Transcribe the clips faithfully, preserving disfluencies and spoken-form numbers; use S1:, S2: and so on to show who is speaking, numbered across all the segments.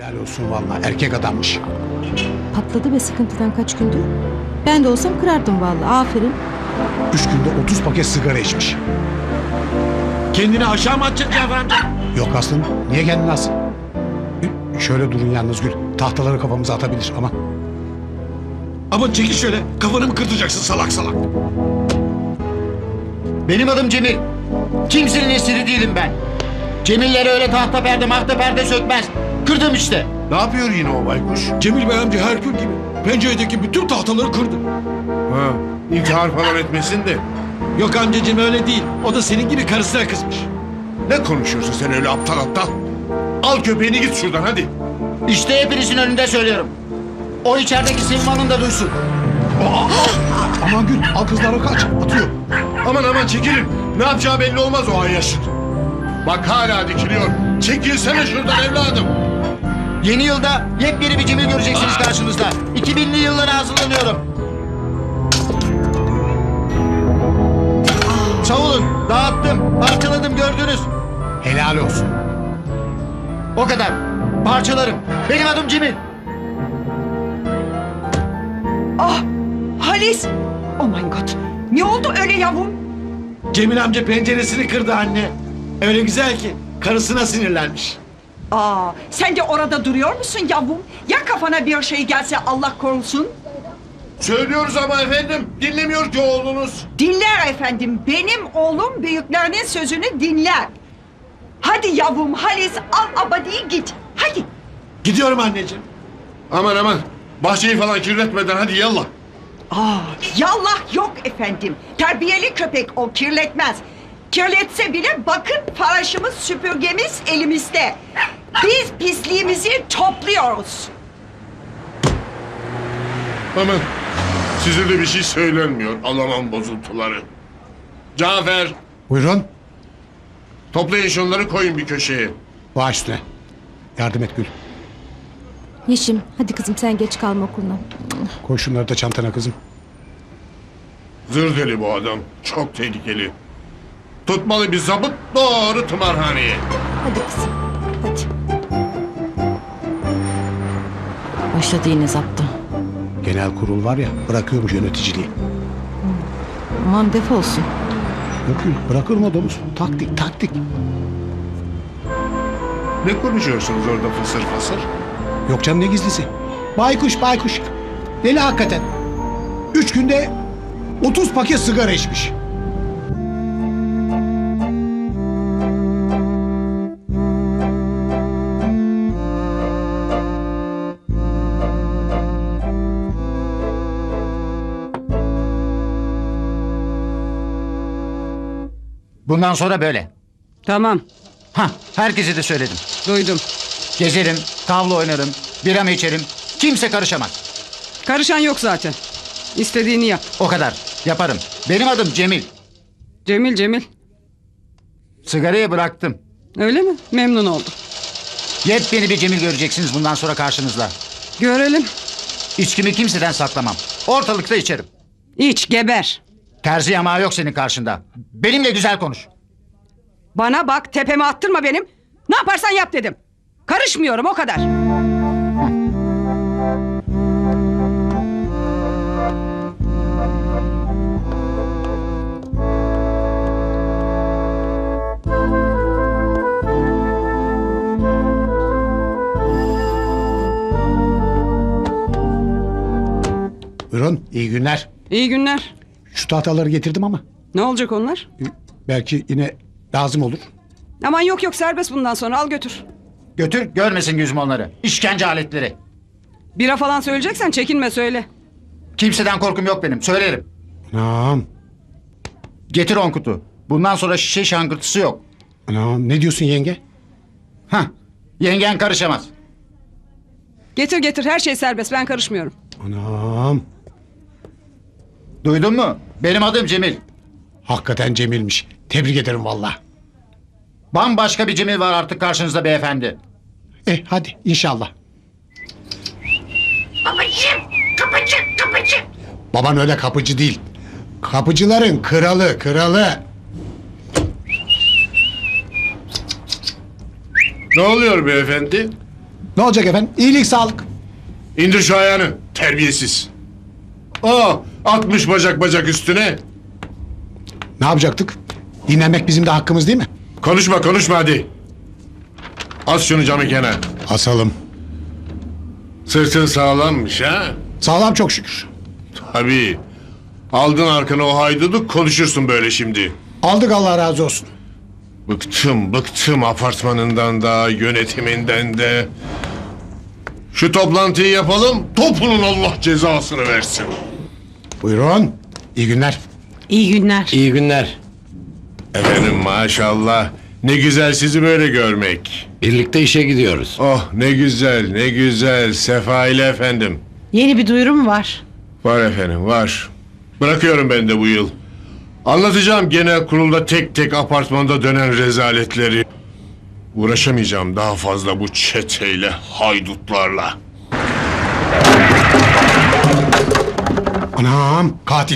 S1: Helal olsun vallahi, erkek adammış.
S2: Patladı be sıkıntıdan kaç gündür. Ben de olsam kırardım vallahi. Aferin.
S1: Üç günde otuz paket sigara içmiş.
S3: Kendini aşağı mı atacaksın Cafer amca?
S1: Yok aslında, niye kendini alsın? Şöyle durun yalnız Gül. Tahtaları kafamıza atabilir ama.
S3: Ama çekil şöyle, kafanı mı kırtacaksın salak salak?
S4: Benim adım Cemil. Kimsenin esiri değilim ben. Cemillere öyle tahta perde mahta perde sökmez. Kırdım işte.
S5: Ne yapıyor yine o baykuş?
S3: Cemil Bey amca Herkül gibi. Penceredeki bütün tahtaları kırdı.
S5: Ha, intihar falan etmesin de.
S3: Yok amcacığım öyle değil. O da senin gibi karısına kızmış.
S5: Ne konuşuyorsun sen öyle aptal aptal? Al köpeğini git şuradan hadi.
S4: İşte hepinizin önünde söylüyorum. O içerideki Silvan'ın da duysun.
S1: Aman Gül, al kızları kaç, atıyor.
S5: Aman aman çekilin. Ne yapacağı belli olmaz o ayyaşın. Bak hala dikiliyor. Çekilsene şuradan evladım.
S4: Yeni yılda yepyeni bir Cemil göreceksiniz karşınızda. iki binli yıllara hazırlanıyorum. Savulun, dağıttım, parçaladım gördünüz.
S1: Helal olsun.
S4: O kadar. Parçalarım. Benim adım Cemil.
S6: Ah, Halis. Oh my God. Ne oldu öyle yavrum?
S3: Cemil amca penceresini kırdı anne. Öyle güzel ki karısına sinirlenmiş.
S6: Aa, sen de orada duruyor musun yavrum? Ya kafana bir şey gelse Allah korusun?
S5: Söylüyoruz ama efendim. Dinlemiyor ki oğlunuz.
S6: Dinler efendim. Benim oğlum büyüklerinin sözünü dinler. Hadi yavrum Halis al abadiyi git. Hadi.
S3: Gidiyorum anneciğim.
S5: Aman aman. Bahçeyi falan kirletmeden hadi yallah.
S6: Aa, yallah yok efendim. Terbiyeli köpek o kirletmez. Kirletse bile bakın faraşımız süpürgemiz elimizde. Biz pisliğimizi topluyoruz.
S5: Aman. Size de bir şey söylenmiyor. Alamam bozuntuları. Cafer.
S1: Buyurun,
S5: Toplayın şunları koyun bir köşeye.
S1: baş üstüne. Yardım et Gül.
S2: Yeşim hadi kızım sen geç kalma okuluna.
S1: Koy şunları da çantana kızım.
S5: Zır deli bu adam. Çok tehlikeli. Tutmalı bir zabıt doğru tımarhaneye.
S2: Hadi kızım hadi. Başladı yine zaptı.
S1: Genel kurul var ya, bırakıyormuş yöneticiliği.
S2: Aman defolsun.
S1: Yok Gül, bırakır mı domuz? Taktik, taktik.
S5: Ne konuşuyorsunuz orada fısır fısır?
S1: Yok canım, ne gizlisi? Baykuş, baykuş. Deli hakikaten. Üç günde otuz paket sigara içmiş.
S4: Bundan sonra böyle.
S7: Tamam,
S4: Hah, herkese de söyledim.
S7: duydum.
S4: Gezerim, tavla oynarım, biramı içerim. Kimse karışamaz.
S7: Karışan yok zaten. İstediğini yap.
S4: O kadar. Yaparım. Benim adım Cemil.
S7: Cemil, Cemil.
S4: Sigarayı bıraktım.
S7: Öyle mi? Memnun oldum.
S4: Yepyeni bir Cemil göreceksiniz bundan sonra karşınızda.
S7: Görelim.
S4: İçkimi kimseden saklamam. Ortalıkta içerim.
S7: İç, geber.
S4: Terzi yamağı yok senin karşında. Benimle güzel konuş.
S7: Bana bak, tepeme attırma benim. Ne yaparsan yap dedim. Karışmıyorum, o kadar.
S1: Buyurun, iyi günler.
S7: İyi günler.
S1: Şu tahtaları getirdim ama
S7: Ne olacak onlar?
S1: e, belki yine lazım olur.
S7: Aman yok yok, serbest bundan sonra, al götür.
S4: Götür görmesin yüzüm onları. İşkence aletleri.
S7: Bira falan söyleyeceksen çekinme, söyle.
S4: Kimseden korkum yok benim. Söylerim.
S1: Anam,
S4: Getir on kutu. Bundan sonra şişe şangırtısı yok.
S1: anam, ne diyorsun yenge?
S4: Hah. Yengen karışamaz.
S7: Getir getir, her şey serbest, ben karışmıyorum.
S1: Anam,
S4: Duydun mu? Benim adım Cemil.
S1: hakikaten Cemil'miş. Tebrik ederim valla.
S4: Bambaşka bir Cemil var artık karşınızda beyefendi.
S1: Eh hadi inşallah.
S6: Babacığım, kapıcı, kapıcı.
S1: Baban öyle kapıcı değil. Kapıcıların kralı, kralı.
S5: Ne oluyor beyefendi?
S1: Ne olacak efendim? İyilik sağlık.
S5: İndir şu ayağını. Terbiyesiz. Aa, atmış bacak bacak üstüne.
S1: Ne yapacaktık? Dinlenmek bizim de hakkımız değil mi?
S5: Konuşma konuşma hadi. As şunu camı kenar.
S1: Asalım.
S5: Sırtın sağlammış ha?
S1: Sağlam çok şükür.
S5: Tabii. Aldın arkana o haydudu konuşursun böyle şimdi.
S1: Aldık Allah razı olsun.
S5: Bıktım bıktım apartmanından da yönetiminden de. Şu toplantıyı yapalım topunun Allah cezasını versin.
S1: Buyurun. İyi günler.
S2: İyi günler.
S4: İyi günler.
S5: Efendim maşallah ne güzel sizi böyle görmek.
S4: Birlikte işe gidiyoruz.
S5: Oh ne güzel ne güzel Sefa ile efendim.
S2: Yeni bir duyuru mu var?
S5: Var efendim var. Bırakıyorum ben de bu yıl. Anlatacağım genel kurulda tek tek apartmanda dönen rezaletleri. Uğraşamayacağım daha fazla bu çeteyle, haydutlarla.
S1: Anam katil.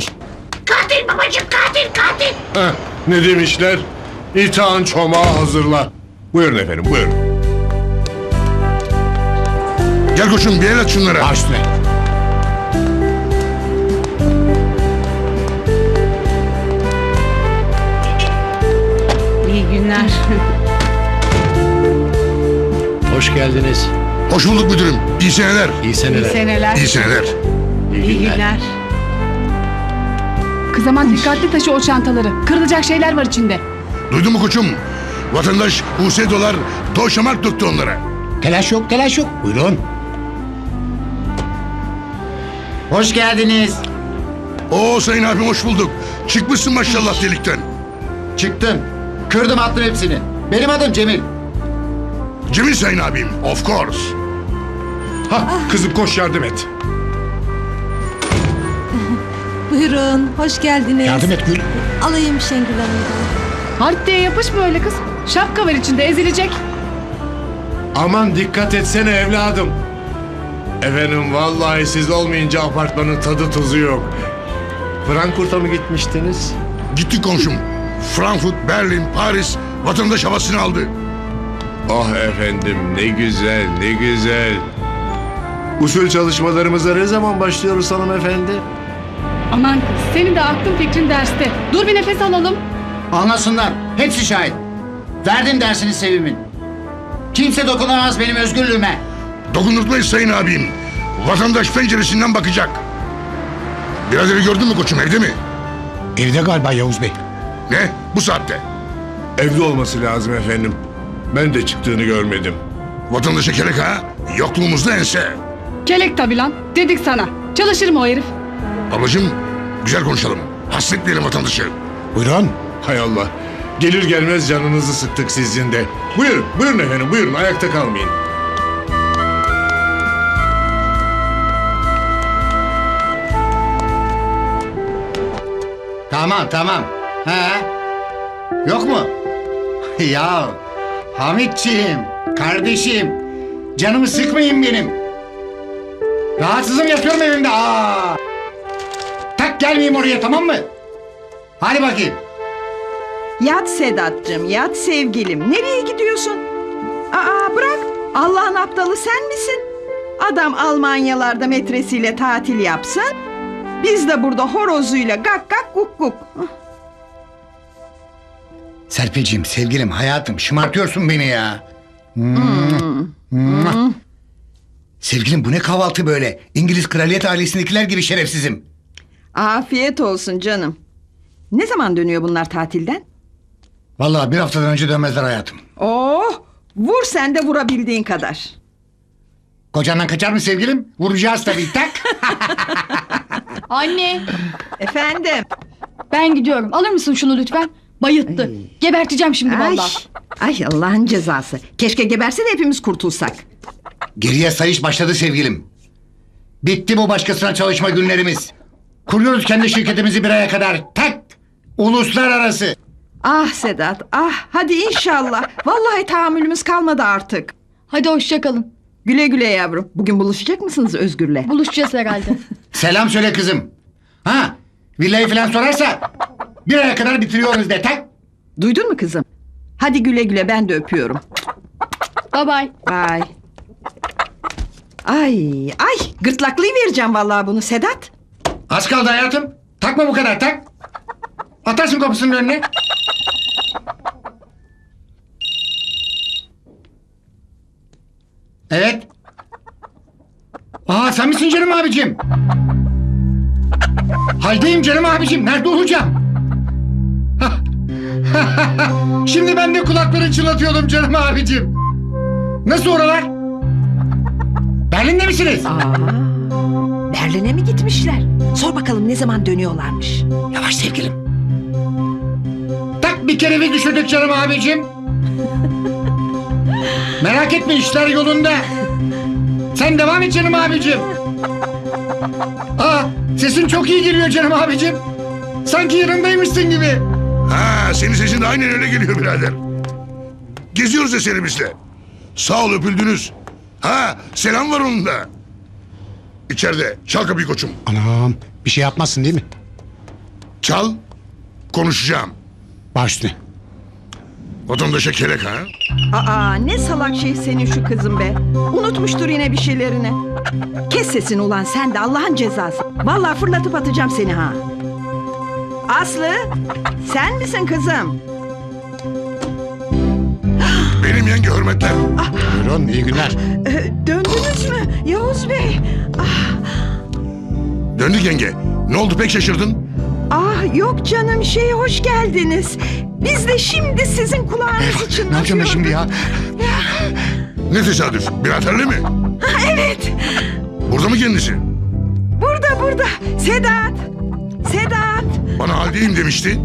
S5: Heh, ne demişler? İtağın çomağı hazırla. Buyurun efendim buyurun.
S8: Gel koçum bir el at şunlara.
S1: Baş üstüne.
S2: İyi günler.
S4: Hoş geldiniz.
S8: Hoş bulduk müdürüm. İyi seneler.
S4: İyi seneler.
S2: Seneler.
S8: İyi seneler.
S2: İyi günler.
S9: Kız aman dikkatli taşı o çantaları. Kırılacak şeyler var içinde.
S8: Duydun mu koçum? Vatandaş U S dolar doşamak döktü onlara.
S1: Telaş yok telaş yok. Buyurun.
S4: Hoş geldiniz.
S8: Oo sayın abim hoş bulduk. Çıkmışsın maşallah delikten.
S4: Çıktım. Kırdım attım hepsini. Benim adım Cemil.
S8: Cemil sayın abim. Of course.
S5: Hah kızım koş yardım et.
S2: Buyurun. Hoş geldiniz.
S1: Yardım et Gül.
S2: Alayım Şengül Hanım'dan.
S9: Halit diye yapışma öyle kız. Şapka var içinde ezilecek.
S5: Aman dikkat etsene evladım. Efendim vallahi siz olmayınca apartmanın tadı tuzu yok. Frankfurt'a mı gitmiştiniz?
S8: Gittik komşum. Frankfurt, Berlin, Paris vatandaş havasını aldı.
S5: Ah efendim ne güzel ne güzel. Usul çalışmalarımıza ne zaman başlıyoruz hanımefendi?
S9: Aman kız senin de aklın fikrin derste. Dur bir nefes alalım.
S4: Anlasınlar. Hepsi şahit. Verdim dersini Sevim'in. Kimse dokunamaz benim özgürlüğüme.
S8: Dokundurtmayız sayın abim. Vatandaş penceresinden bakacak. Biraderi gördün mü koçum evde mi?
S1: Evde galiba Yavuz Bey.
S8: Ne? Bu saatte.
S5: Evde olması lazım efendim. Ben de çıktığını görmedim.
S8: Vatandaşa kelek ha? Yokluğumuzda ense.
S9: Kelek tabi lan. Dedik sana. Çalışır mı o herif?
S8: Ablacığım güzel konuşalım. Hasretleyelim vatandaşı.
S1: Buyurun.
S5: Hay Allah. Gelir gelmez canınızı sıktık sizin de. Buyurun, buyurun efendim, buyurun. Ayakta kalmayın.
S4: Tamam tamam. He? Yok mu? Ya Hamitciğim, kardeşim. Canımı sıkmayın benim. Rahatsızım yapıyorum evimde. Aa! Tak gelmeyeyim oraya tamam mı? Hadi bakayım.
S6: Yat Sedat'cığım yat sevgilim. Nereye gidiyorsun? Aa bırak. Allah'ın aptalı sen misin? Adam Almanyalarda metresiyle tatil yapsın. Biz de burada horozuyla gak gak guk guk.
S4: Serpeciğim, sevgilim, hayatım şımartıyorsun beni ya. Mua. Sevgilim bu ne kahvaltı böyle? İngiliz kraliyet ailesindekiler gibi şerefsizim.
S6: Afiyet olsun canım. Ne zaman dönüyor bunlar tatilden?
S4: Vallahi bir haftadan önce dönmezler hayatım.
S6: Oh, vur sen de vurabildiğin kadar.
S4: Kocandan kaçar mı sevgilim? Vuracağız tabii tak.
S9: Anne
S6: Efendim.
S9: ben gidiyorum. Alır mısın şunu lütfen? Bayıttı. Geberteceğim şimdi
S6: Ay,
S9: vallahi.
S6: ay Allah'ın cezası. Keşke geberse de hepimiz kurtulsak.
S4: Geriye sayış başladı sevgilim. Bitti bu başkasına çalışma günlerimiz. Kuruyoruz kendi şirketimizi bir aya kadar. Tak! Uluslararası.
S6: Ah Sedat, ah hadi inşallah. Vallahi tahammülümüz kalmadı artık.
S9: Hadi hoşça kalın.
S6: Güle güle yavrum. Bugün buluşacak mısınız Özgür'le?
S9: Buluşacağız herhalde.
S4: Selam söyle kızım. Ha? Villayı falan sorarsa bir aya kadar bitiriyoruz de tak.
S6: Duydun mu kızım? Hadi güle güle ben de öpüyorum.
S9: Bye bye.
S6: Bye. Ay ay gırtlaklayıvereceğim vallahi bunu Sedat.
S4: Az kaldı hayatım. Takma bu kadar tak. Atarsın kapısının önüne. Evet. Aa sen misin canım abicim? Haldeyim canım abicim. Nerede olacağım? Şimdi ben de kulakları çınlatıyordum canım abicim. Nasıl oralar? Berlin'de misiniz?
S6: Aa, Berlin'e mi gitmişler? Sor bakalım ne zaman dönüyorlarmış.
S4: Yavaş sevgilim. Tak bir kere bir düşürdük canım abicim. Merak etme işler yolunda. Sen devam et canım abicim. Aa, sesin çok iyi geliyor canım abicim. Sanki yanındaymışsın gibi.
S8: Ha, senin sesin de aynen öyle geliyor birader. Geziyoruz eserimizle. Sağ ol öpüldünüz. Ha, selam var onun da. İçeride. Çal kapıyı koçum.
S1: Anam bir şey yapmazsın değil mi?
S8: Çal. Konuşacağım.
S1: Baş üstüne.
S8: Vatandaşa kelek ha.
S6: Aa ne salak şey senin şu kızın be. Unutmuştur yine bir şeylerini. Kes sesini ulan sen de Allah'ın cezası. Vallahi fırlatıp atacağım seni ha. Aslı sen misin kızım?
S8: Benim yenge hürmetler.
S1: Buyurun iyi günler.
S6: Ee, döndünüz mü Yavuz Bey? Ah,
S8: Döndük yenge. Ne oldu pek şaşırdın?
S6: ah yok canım şey hoş geldiniz. Biz de şimdi sizin kulağınızı çınlatıyorduk.
S1: Ne yapacağım ben şimdi ya?
S8: Ne tesadüf. Biraderle mi?
S6: Evet.
S8: Burada mı kendisi?
S6: Burada burada. Sedat. Sedat.
S8: Bana haldeyim demişti.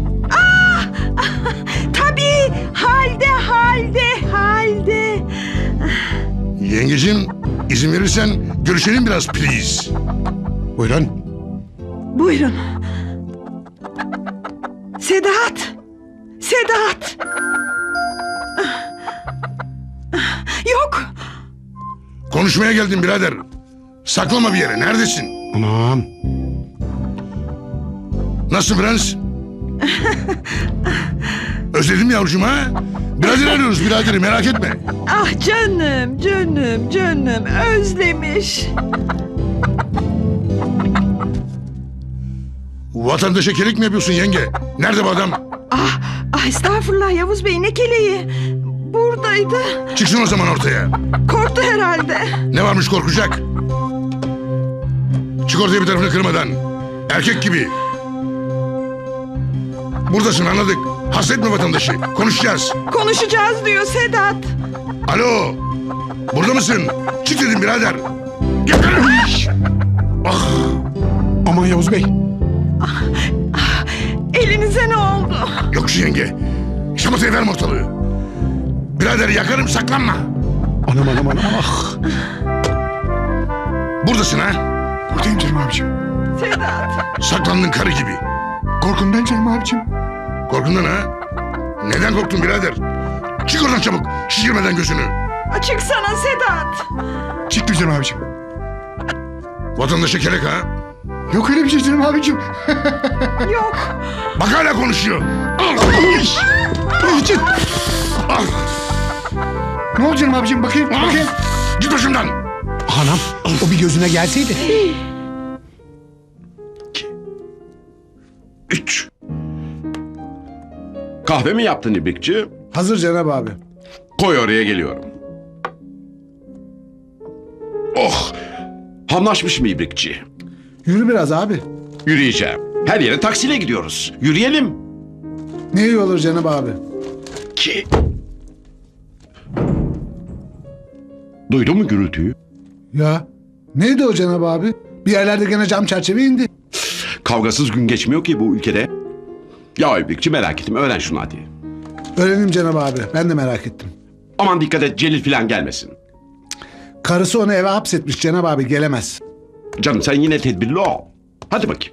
S6: Tabii. Halde halde halde.
S8: Yengeciğim izin verirsen görüşelim biraz please.
S1: Buyurun.
S6: Buyurun. Sedat. Sedat. Yok.
S8: Konuşmaya geldim birader. Saklama bir yere. Neredesin?
S1: Anam.
S8: Nasıl prens? Özledim yavrucuğum ha? Birader arıyoruz biraderi merak etme.
S6: Ah canım canım canım özlemiş.
S8: Vatandaşa kelik mi yapıyorsun yenge? Nerede bu adam?
S6: Ah, ah estağfurullah Yavuz Bey ne keleği. Buradaydı.
S8: Çıksın o zaman ortaya.
S6: Korktu herhalde.
S8: Ne varmış korkacak? Çık ortaya bir tarafını kırmadan. Erkek gibi. Buradasın anladık. Hasretme vatandaşı. Konuşacağız.
S6: Konuşacağız diyor Sedat.
S8: Alo. Burada mısın? Çık dedim birader. Gel. Ah.
S1: Aman Yavuz Bey.
S6: Elinize ne oldu?
S8: Yok şu yenge. Şamatayı verme ortalığı. Birader yakarım saklanma.
S1: Anam anam anam. Ah.
S8: Buradasın ha?
S1: Buradayım canım abicim.
S6: Sedat.
S8: Saklandın karı gibi.
S1: Korkumdan canım abicim.
S8: Korkundan ha? Neden korktun birader? Çık oradan çabuk. Şişirmeden gözünü.
S6: Açık sana Sedat.
S1: Çıktım canım abicim.
S8: Vatandaşa kelek ha?
S1: Yok öyle bir şey canım abicim.
S6: Yok.
S8: Bak hala konuşuyor.
S1: Için.
S8: Ah.
S1: Ne oldu canım abicim bakayım
S8: Ah.
S1: bakayım.
S8: Git başımdan.
S1: Anam o bir gözüne gelseydi.
S8: Üç.
S10: Kahve mi yaptın İbrikçi?
S1: Hazır Cenab abi.
S10: Koy oraya geliyorum. Oh! Hamlaşmış mı İbrikçi?
S1: Yürü biraz abi.
S10: Yürüyeceğim. Her yere taksiyle gidiyoruz. Yürüyelim.
S1: Ne iyi olur Cenab abi.
S10: Ki... Duydun mu gürültüyü?
S1: Ya neydi o Cenab abi? Bir yerlerde gene cam çerçeve indi.
S10: Kavgasız gün geçmiyor ki bu ülkede. Ya İbrikçi merak ettim. Öğren şunu hadi.
S1: Öğrenim Cenab abi. Ben de merak ettim.
S10: Aman dikkat et Celil falan gelmesin.
S1: Karısı onu eve hapsetmiş Cenab abi gelemez.
S10: Canım sen yine tedbirli ol. Hadi bakayım.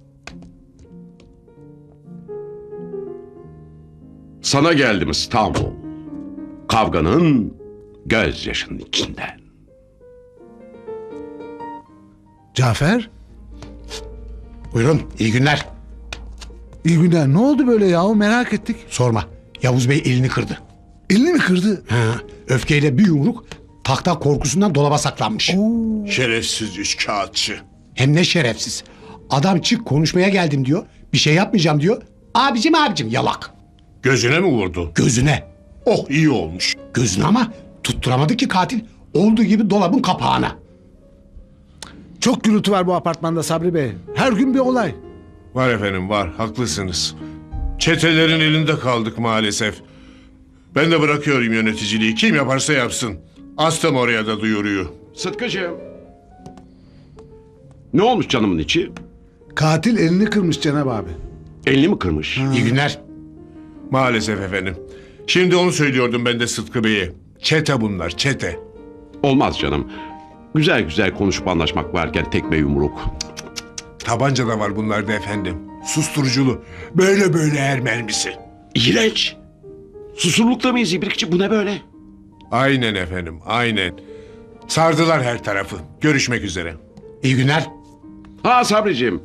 S10: Sana geldim İstanbul. Kavganın gözyaşının içinden.
S1: Cafer.
S11: Buyurun, iyi günler.
S1: İyi günler. Ne oldu böyle yahu merak ettik.
S11: Sorma, Yavuz Bey elini kırdı.
S1: Elini mi kırdı?
S11: Ha, öfkeyle bir yumruk
S1: Tahta korkusundan dolaba saklanmış.
S5: Şerefsiz üç kağıtçı.
S1: Hem ne şerefsiz. Adam çık konuşmaya geldim diyor. Bir şey yapmayacağım diyor. Abicim abicim yalak.
S5: Gözüne mi vurdu?
S1: Gözüne.
S5: Oh iyi olmuş.
S1: Gözüne ama tutturamadı ki katil. Olduğu gibi dolabın kapağına.
S11: Çok gürültü var bu apartmanda Sabri Bey. Her gün bir olay.
S5: Var efendim var haklısınız. Çetelerin elinde kaldık maalesef. Ben de bırakıyorum yöneticiliği. Kim yaparsa yapsın. Astım oraya da duyuruyor.
S10: Sıtkıcığım. Ne olmuş canımın içi?
S11: Katil elini kırmış Cenab abi.
S10: Elini mi kırmış?
S1: İyi günler.
S5: Maalesef efendim. Şimdi onu söylüyordum ben de Sıtkı Bey'e. Çete bunlar çete.
S10: Olmaz canım. Güzel güzel konuşup anlaşmak varken tekme yumruk.
S5: Tabanca da var bunlarda efendim. Susturuculu. Böyle böyle er mermisi.
S10: İğrenç. Susurlukta mıyız İbrikçi? Bu ne böyle?
S5: Aynen efendim aynen. Sardılar her tarafı. Görüşmek üzere.
S1: İyi günler.
S10: Ha Sabriciğim.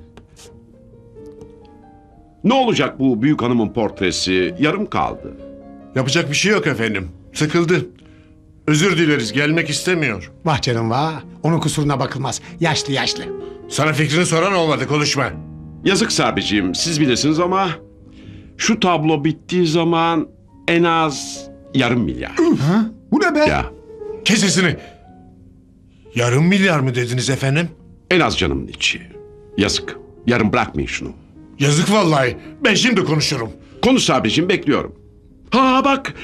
S10: Ne olacak bu büyük hanımın portresi? Yarım kaldı.
S5: Yapacak bir şey yok efendim. Sıkıldı. Özür dileriz gelmek istemiyor.
S1: Vah canım vah. Onun kusuruna bakılmaz. Yaşlı yaşlı.
S5: Sana fikrini soran olmadı konuşma.
S10: Yazık Sabriciğim, siz bilirsiniz ama şu tablo bittiği zaman en az yarım milyar.
S11: Ha? Bu ne be?
S10: Ya
S5: Kes sesini. Yarım milyar mı dediniz efendim?
S10: en az canımın içi. Yazık. Yarın bırakmayın şunu.
S5: Yazık vallahi. Ben şimdi konuşurum.
S10: Konuş Sabriciğim, bekliyorum. Ha bak.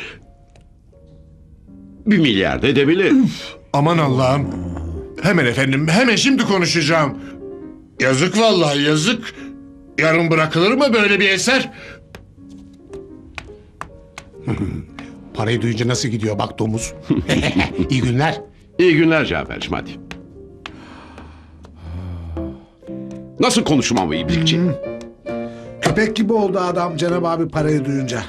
S10: Bir milyar da edebilir.
S5: Aman Allah'ım. Hemen efendim hemen şimdi konuşacağım. Yazık vallahi yazık. Yarın bırakılır mı böyle bir eser?
S1: Parayı duyunca nasıl gidiyor bak domuz. İyi günler.
S10: İyi günler Cafer'cim hadi. Nasıl konuşmam bu İbrikçi?
S11: Köpek gibi oldu adam Cenab abi parayı duyunca.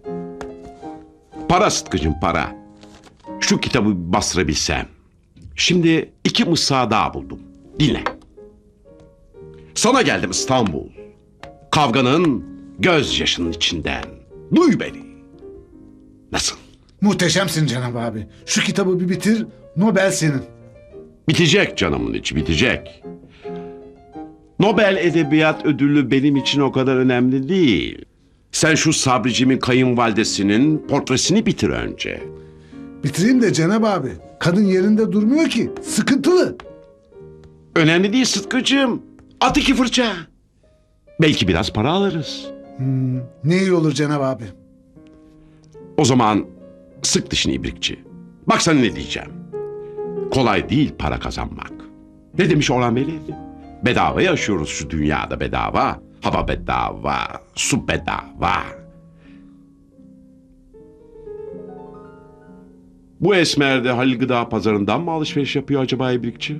S10: Para Sıtkı'cım para. Şu kitabı bir bastırabilsem. Şimdi iki mısra daha buldum. Dinle. Sana geldim İstanbul. Kavganın gözyaşının içinden. Duy beni. Nasıl?
S11: Muhteşemsin Cenab abi. Şu kitabı bir bitir, Nobel senin.
S10: Bitecek canımın içi bitecek. Nobel Edebiyat Ödülü benim için o kadar önemli değil. Sen şu Sabricimin kayınvalidesinin portresini bitir önce.
S11: Bitireyim de Cenab abi. Kadın yerinde durmuyor ki. Sıkıntılı.
S10: Önemli değil Sıtkı'cığım. At iki fırça. Belki biraz para alırız.
S11: Ne iyi olur Cenab abi.
S10: O zaman sık dişini İbrikçi. Bak sana ne diyeceğim. Kolay değil para kazanmak. Ne demiş Orhan Veli? Bedava yaşıyoruz şu dünyada bedava. Hava bedava, su bedava. Bu esmer de Halil Gıda Pazarı'ndan mı alışveriş yapıyor acaba İbrikçi?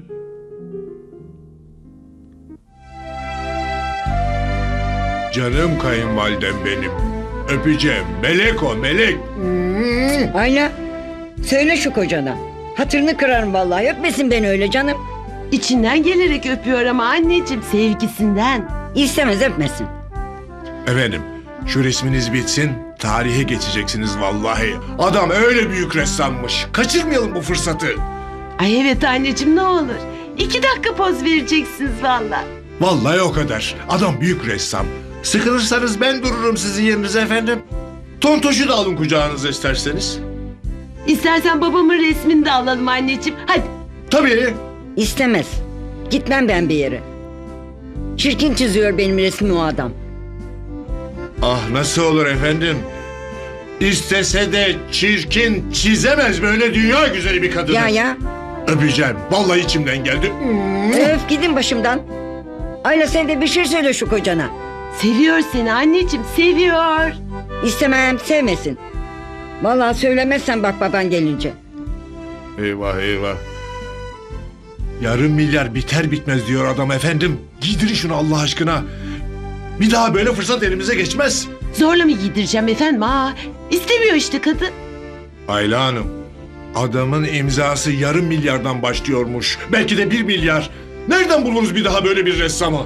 S5: Canım kayınvalidem benim. Öpeceğim. Melek o melek.
S12: Ayla söyle şu kocana. Hatırını kırarım vallahi, öpmesin beni öyle canım.
S13: İçinden gelerek öpüyor ama anneciğim, sevgisinden.
S12: İstemez, öpmesin.
S5: Efendim şu resminiz bitsin. Tarihe geçeceksiniz vallahi. Adam öyle büyük ressammış. Kaçırmayalım bu fırsatı.
S13: Ay evet anneciğim, ne olur. İki dakika poz vereceksiniz valla.
S5: Vallahi o kadar. Adam büyük ressam. Sıkılırsanız ben dururum sizin yerinize efendim. Tontoşu da alın kucağınıza isterseniz.
S13: İstersen babamın resmini de alalım anneciğim. Hadi.
S5: Tabii.
S12: İstemez. Gitmem ben bir yere. Çirkin çiziyor benim resmi o adam.
S5: Ah nasıl olur efendim? İstese de çirkin çizemez böyle dünya güzeli bir kadını.
S12: Ya ya.
S5: Öpeceğim. Vallahi içimden geldi.
S12: Öf gidin başımdan. Ayla sen de bir şey söyle şu kocana.
S13: Seviyor seni anneciğim, seviyor.
S12: İstemem, sevmesin. Vallahi söylemezsen bak baban gelince.
S5: Eyvah eyvah. Yarım milyar biter bitmez diyor adam efendim. Giydirin şunu Allah aşkına. Bir daha böyle fırsat elimize geçmez.
S13: Zorla mı giydireceğim efendim? Aa, istemiyor işte kadın.
S5: Ayla Hanım, adamın imzası yarım milyardan başlıyormuş. Belki de bir milyar. Nereden buluruz bir daha böyle bir ressamı?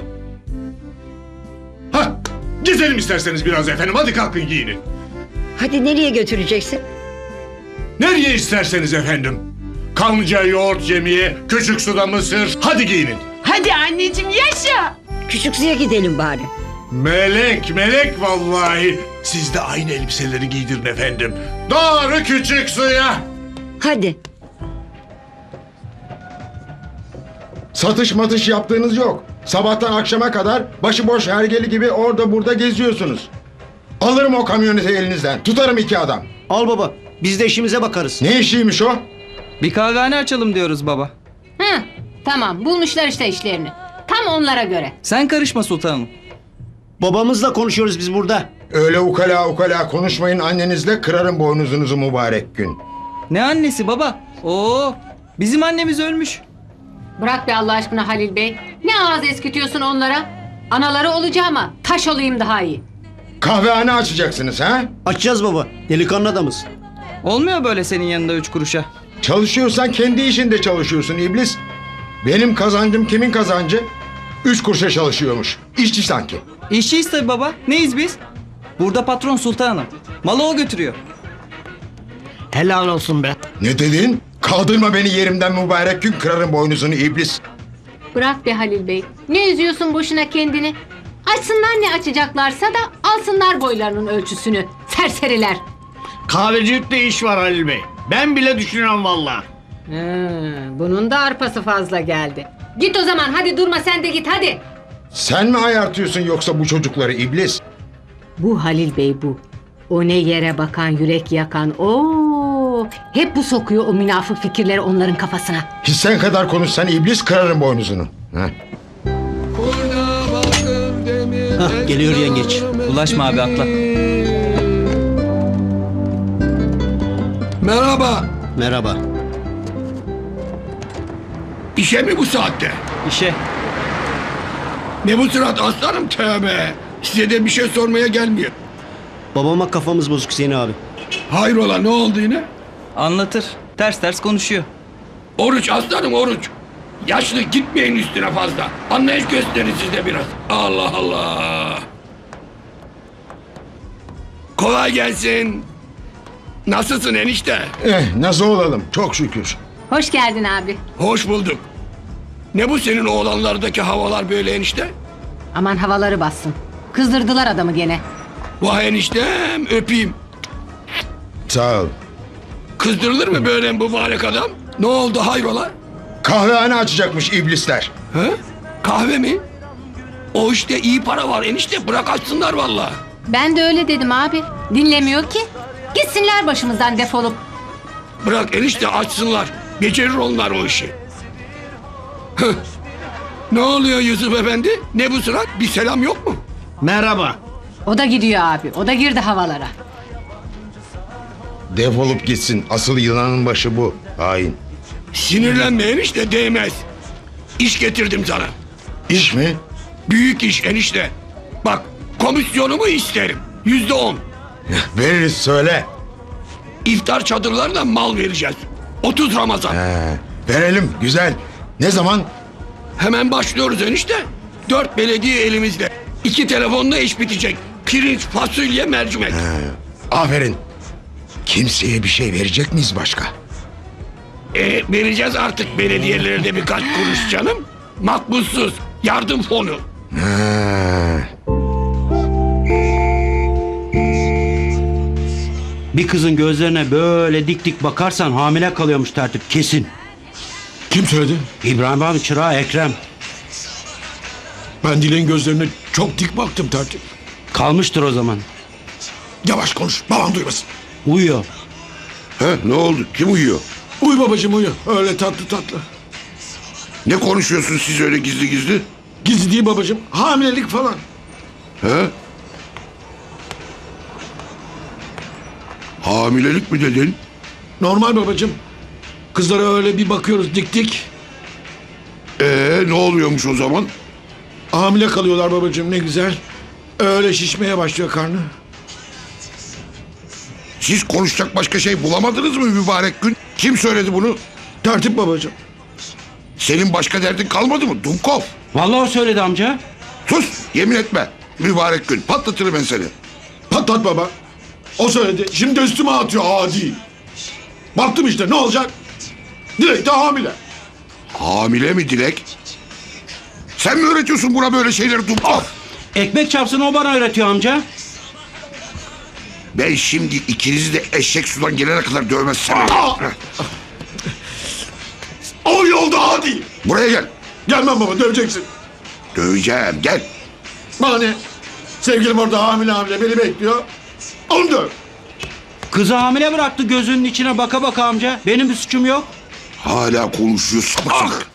S5: Hah, gezelim isterseniz biraz efendim. Hadi kalkın giyinin.
S12: Hadi nereye götüreceksin?
S5: Nereye isterseniz efendim. Kanlıca yoğurt yemeye, küçük suda mısır. Hadi giyinin.
S13: Hadi anneciğim yaşa.
S12: Küçük suya gidelim bari.
S5: Melek, melek vallahi. Siz de aynı elbiseleri giydirin efendim. Doğru küçük suya.
S12: Hadi.
S14: Satış matış yaptığınız yok. Sabahtan akşama kadar başıboş hergeli gibi orada burada geziyorsunuz. Alırım o kamyoneti elinizden. Tutarım iki adam.
S11: Al baba. Biz de işimize bakarız.
S14: Ne işiymiş o?
S11: Bir kahvehane açalım diyoruz baba.
S2: Hı, tamam bulmuşlar işte işlerini. Tam onlara göre.
S11: Sen karışma sultanım. Babamızla konuşuyoruz biz burada.
S14: Öyle ukala ukala konuşmayın annenizle, kırarım boynuzunuzu mübarek gün.
S11: Ne annesi baba? Oo, bizim annemiz ölmüş.
S2: Bırak be Allah aşkına Halil Bey. Ne ağız eskitiyorsun onlara? Anaları olacağıma taş olayım daha iyi.
S14: Kahvehane açacaksınız ha?
S11: Açacağız baba. Delikanlı adamız. Olmuyor böyle senin yanında üç kuruşa.
S14: Çalışıyorsan kendi işinde çalışıyorsun iblis. Benim kazancım kimin kazancı? Üç kuruşa çalışıyormuş. İşçi sanki.
S11: İşçiyiz tabii baba. Neyiz biz? Burada patron sultanım. Malı o götürüyor. Helal olsun be.
S14: Ne dedin? Kaldırma beni yerimden mübarek gün, kırarım boynuzunu iblis.
S2: Bırak be Halil Bey. Ne üzüyorsun boşuna kendini? Açsınlar ne açacaklarsa da alsınlar boylarının ölçüsünü. Serseriler.
S11: Kahvecilikte iş var Halil Bey. Ben bile düşünüyorum valla.
S2: Bunun da arpası fazla geldi. Git o zaman hadi durma sen de git hadi.
S14: Sen mi ayartıyorsun yoksa bu çocukları iblis?
S2: Bu Halil Bey bu. O ne yere bakan yürek yakan. Oo, hep bu sokuyor o münafık fikirleri onların kafasına.
S14: Hiç sen kadar konuşsan iblis, kırarım boynuzunu. Heh.
S11: Hah, geliyor yengeç. Ulaşma abi atla.
S8: Merhaba.
S11: Merhaba.
S8: İşe mi bu saatte?
S11: İşe.
S8: Ne bu surat aslanım, tövbe. Size de bir şey sormaya gelmiyor.
S11: Babama kafamız bozuk Hüseyin abi.
S8: Hayrola, ne oldu yine?
S11: Anlatır. Ters ters konuşuyor.
S8: Oruç aslanım, oruç. Yaşlı, gitmeyin üstüne fazla. Anlayış gösterin siz de biraz. Allah Allah. Kolay gelsin. Nasılsın enişte?
S14: Eh, nasıl olalım? Çok şükür.
S2: Hoş geldin abi.
S8: Hoş bulduk. Ne bu senin oğlanlardaki havalar böyle enişte?
S2: Aman havaları bassın. Kızdırdılar adamı gene.
S8: Vay eniştem, öpeyim.
S14: Sağ ol.
S8: Kızdırılır mı böyle mübarek adam? Ne oldu hayrola?
S14: Kahvehane açacakmış iblisler.
S8: He? Kahve mi? O işte iyi para var enişte, bırak açsınlar valla.
S2: Ben de öyle dedim abi. Dinlemiyor ki. Gitsinler başımızdan defolup.
S8: Bırak enişte açsınlar. Becerir onlar o işi. Hıh. Ne oluyor Yusuf Efendi? Ne bu surat? Bir selam yok mu?
S11: Merhaba.
S2: O da gidiyor abi. O da girdi havalara.
S14: Defolup gitsin. Asıl yılanın başı bu. Hain.
S8: Sinirlenme enişte, değmez. İş getirdim sana.
S14: İş mi?
S8: Büyük iş enişte. Bak, komisyonumu isterim. Yüzde on.
S14: Veririz, söyle.
S8: İftar çadırlarına mal vereceğiz. otuz Ramazan.
S14: He, verelim, güzel. Ne zaman?
S8: Hemen başlıyoruz enişte. Dört belediye elimizde. İki telefonla iş bitecek. Pirinç, fasulye, mercimek.
S14: He, aferin. Kimseye bir şey verecek miyiz başka?
S8: E, vereceğiz artık belediyelere de birkaç kuruş canım. Makbuzsuz. Yardım fonu.
S14: He.
S11: Bir kızın gözlerine böyle dik dik bakarsan hamile kalıyormuş tertip kesin.
S14: Kim söyledi?
S11: İbrahim abi çırağı Ekrem.
S14: Ben Dilek'in gözlerine çok dik baktım tertip.
S11: Kalmıştır o zaman.
S14: Yavaş konuş, babam duymasın.
S11: Uyuyor.
S8: He, ne oldu? Kim uyuyor?
S14: Uyu babacığım uyu. Öyle tatlı tatlı.
S8: Ne konuşuyorsunuz siz öyle gizli gizli?
S14: Gizli değil babacığım. Hamilelik falan.
S8: He? Hamilelik mi dedin?
S14: Normal babacığım. Kızlara öyle bir bakıyoruz dik dik.
S8: Ee, ne oluyormuş o zaman?
S14: Hamile kalıyorlar babacığım, ne güzel. Öyle şişmeye başlıyor karnı.
S8: Siz konuşacak başka şey bulamadınız mı mübarek gün? Kim söyledi bunu?
S14: Tertip babacığım.
S8: Senin başka derdin kalmadı mı Dumkov?
S11: Vallahi o söyledi amca.
S8: Sus, yemin etme. Mübarek gün, patlatırım ben seni.
S14: Patlat baba. O söyledi. Şimdi üstüme atıyor adi. Baktım işte, ne olacak?
S3: Dilek de hamile.
S8: Hamile mi Dilek? Sen mi öğretiyorsun buna böyle şeyleri Dumkov?
S11: Ekmek çarpsın o bana öğretiyor amca.
S8: Ben şimdi ikinizi de eşek sudan gelene kadar dövmezsem...
S3: O yolda hadi.
S8: Buraya gel.
S3: Gelmem baba, döveceksin.
S8: Döveceğim, gel.
S3: Bana ne? Sevgilim orada hamile hamile beni bekliyor. Onu döv.
S11: Kızı hamile bıraktı gözünün içine baka baka amca. Benim bir suçum yok.
S8: Hala konuşuyor sapık sapık.